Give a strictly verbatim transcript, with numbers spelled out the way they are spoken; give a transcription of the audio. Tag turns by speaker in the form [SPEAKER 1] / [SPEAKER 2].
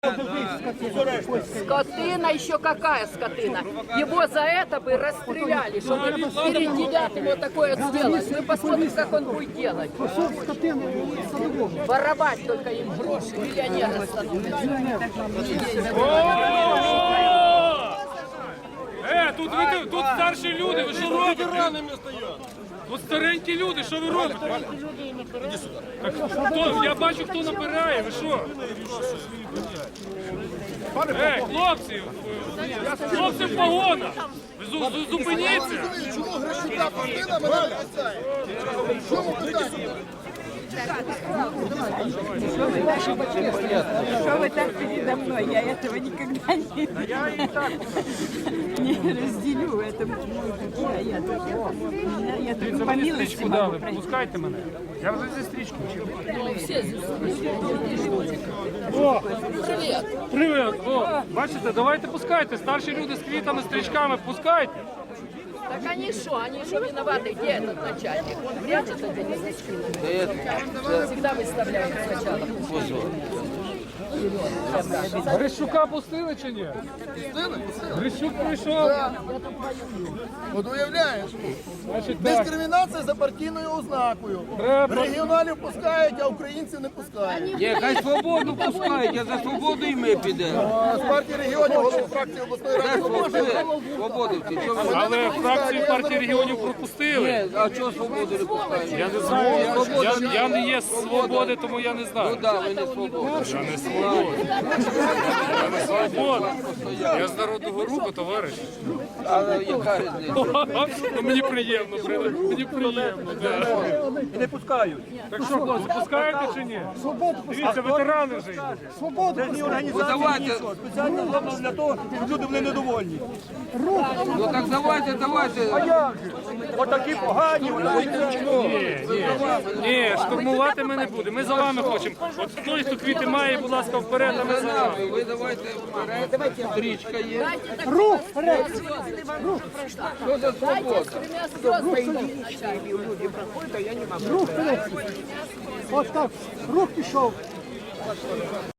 [SPEAKER 1] Скотина, еще какая скотина? Его за это бы расстреляли, чтобы перед девятым вот такое сделать. Мы посмотрим, как он будет делать. Воровать только им гроши, миллионеры становятся.
[SPEAKER 2] Е, тут, ви, тут старші люди, ви що робите? Тут старенькі люди, що ви робите? Так, хто, я бачу, хто набирає, ви що? Ей, хлопці, хлопці в погонах, ви зу- зу- зупиніться.
[SPEAKER 3] Чому Грищука пустила, мене не касає? Чому питання?
[SPEAKER 4] Что вы так передо мной? Я этого никогда не, не разделю. Это мой путь, а я только, я только по милости могу
[SPEAKER 2] Дали,
[SPEAKER 4] пройти.
[SPEAKER 2] пускайте мене. Я вже зі стрічку.
[SPEAKER 1] Привет.
[SPEAKER 2] Привіт, о, бачите, давайте пускайте, старші люди з квітами, стрічками, пускайте.
[SPEAKER 1] Так они что? Они что виноваты? Где этот начальник? Он прячет это не за спинами. Всегда выставляют сначала.
[SPEAKER 2] Грищука пустили чи ні? Грищук прийшов.
[SPEAKER 3] От уявляєш,
[SPEAKER 2] Значить, так.
[SPEAKER 3] дискримінація за партійною ознакою.
[SPEAKER 2] Треба.
[SPEAKER 3] Регіоналів пускають, а українців не пускають.
[SPEAKER 5] Ні, хай свободу пускають, а за свободу і ми підемо.
[SPEAKER 3] А з партії регіонів голова фракції обласної
[SPEAKER 5] Де
[SPEAKER 3] ради
[SPEAKER 5] свободу?
[SPEAKER 3] «Свобода».
[SPEAKER 5] Свободовці, чого ви?
[SPEAKER 2] Але фракцію партії регіонів пропустили.
[SPEAKER 5] Ні, а чого свободу не пускають?
[SPEAKER 2] Я не знаю, я, я, я не є з свободи, тому я не
[SPEAKER 5] Ну
[SPEAKER 2] знаю.
[SPEAKER 5] да, ви не свобода.
[SPEAKER 2] Я не свобода. Я не свобода. Я з народного руху, товариш.
[SPEAKER 5] Але яка різниця?
[SPEAKER 2] Ну, мені приємно, при- мені приємно. Да.
[SPEAKER 6] Не пускають.
[SPEAKER 2] Так що, хлопці, пускаєте чи ні? Дивіться, ветерани вже йдуть.
[SPEAKER 6] Це ні організації,
[SPEAKER 5] Ну, давайте.
[SPEAKER 6] нічого. Спеціально зроблено для того, щоб люди були недовольні.
[SPEAKER 5] Ну так давайте, давайте.
[SPEAKER 6] Як же? Отакі погані, отакі.
[SPEAKER 2] Ні, ні, ні, штурмувати ми не будемо. Ми за вами хочемо. От той, хто квіти має, будь ласка, вперед, а ми за вами.
[SPEAKER 5] Ви давайте вперед, стрічка є.
[SPEAKER 1] Рух вперед!
[SPEAKER 5] Що за свобода?
[SPEAKER 1] Тремя звездами начальник.
[SPEAKER 7] Рух вперед. От так, рух пішов.